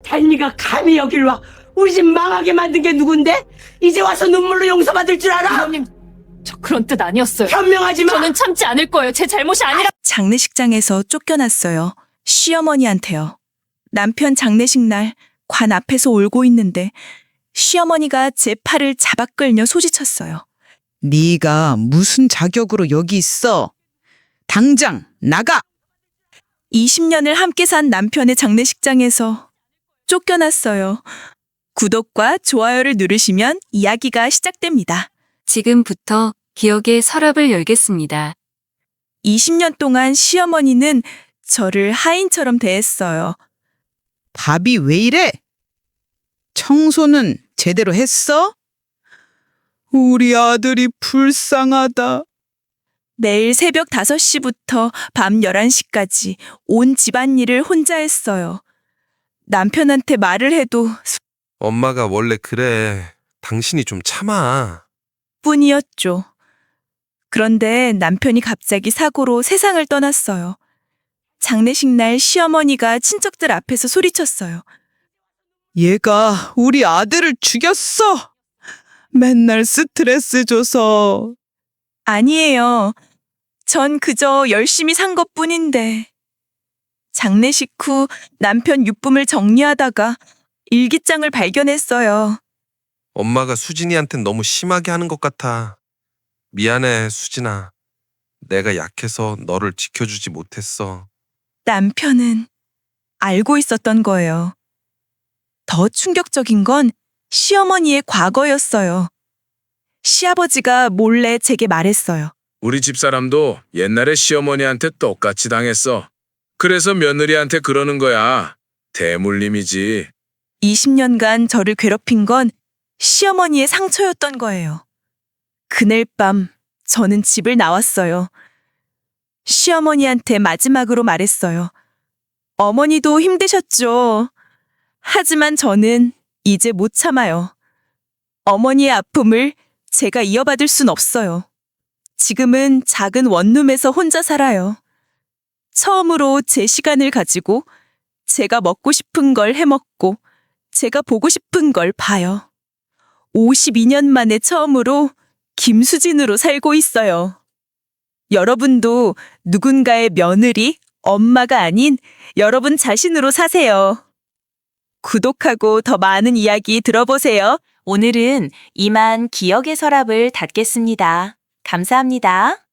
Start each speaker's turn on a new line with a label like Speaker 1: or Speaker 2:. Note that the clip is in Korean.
Speaker 1: 달리가 감히 여길 와 우리 집 망하게 만든 게 누군데? 이제 와서 눈물로 용서받을 줄 알아?
Speaker 2: 부모님, 저 그런 뜻 아니었어요.
Speaker 1: 현명하지 마!
Speaker 2: 저는 참지 않을 거예요. 제 잘못이 아니라.
Speaker 3: 장례식장에서 쫓겨났어요. 시어머니한테요. 남편 장례식 날 관 앞에서 울고 있는데 시어머니가 제 팔을 잡아 끌며 소리쳤어요.
Speaker 4: 네가 무슨 자격으로 여기 있어? 당장 나가!
Speaker 3: 20년을 함께 산 남편의 장례식장에서 쫓겨났어요. 구독과 좋아요를 누르시면 이야기가 시작됩니다.
Speaker 5: 지금부터 기억의 서랍을 열겠습니다.
Speaker 3: 20년 동안 시어머니는 저를 하인처럼 대했어요.
Speaker 4: 밥이 왜 이래? 청소는 제대로 했어? 우리 아들이 불쌍하다.
Speaker 3: 매일 새벽 5시부터 밤 11시까지 온 집안일을 혼자 했어요. 남편한테 말을 해도
Speaker 6: 엄마가 원래 그래. 당신이 좀 참아.
Speaker 3: 뿐이었죠. 그런데 남편이 갑자기 사고로 세상을 떠났어요. 장례식 날 시어머니가 친척들 앞에서 소리쳤어요.
Speaker 4: 얘가 우리 아들을 죽였어. 맨날 스트레스 줘서.
Speaker 3: 아니에요. 전 그저 열심히 산 것뿐인데. 장례식 후 남편 유품을 정리하다가 일기장을 발견했어요.
Speaker 6: 엄마가 수진이한텐 너무 심하게 하는 것 같아. 미안해, 수진아. 내가 약해서 너를 지켜주지 못했어.
Speaker 3: 남편은 알고 있었던 거예요. 더 충격적인 건 시어머니의 과거였어요. 시아버지가 몰래 제게 말했어요.
Speaker 7: 우리 집사람도 옛날에 시어머니한테 똑같이 당했어. 그래서 며느리한테 그러는 거야. 대물림이지.
Speaker 3: 20년간 저를 괴롭힌 건 시어머니의 상처였던 거예요. 그날 밤 저는 집을 나왔어요. 시어머니한테 마지막으로 말했어요. 어머니도 힘드셨죠. 하지만 저는 이제 못 참아요. 어머니의 아픔을 제가 이어받을 순 없어요. 지금은 작은 원룸에서 혼자 살아요. 처음으로 제 시간을 가지고 제가 먹고 싶은 걸 해먹고 제가 보고 싶은 걸 봐요. 52년 만에 처음으로 김수진으로 살고 있어요. 여러분도 누군가의 며느리, 엄마가 아닌 여러분 자신으로 사세요. 구독하고 더 많은 이야기 들어보세요.
Speaker 8: 오늘은 이만 기억의 서랍을 닫겠습니다. 감사합니다.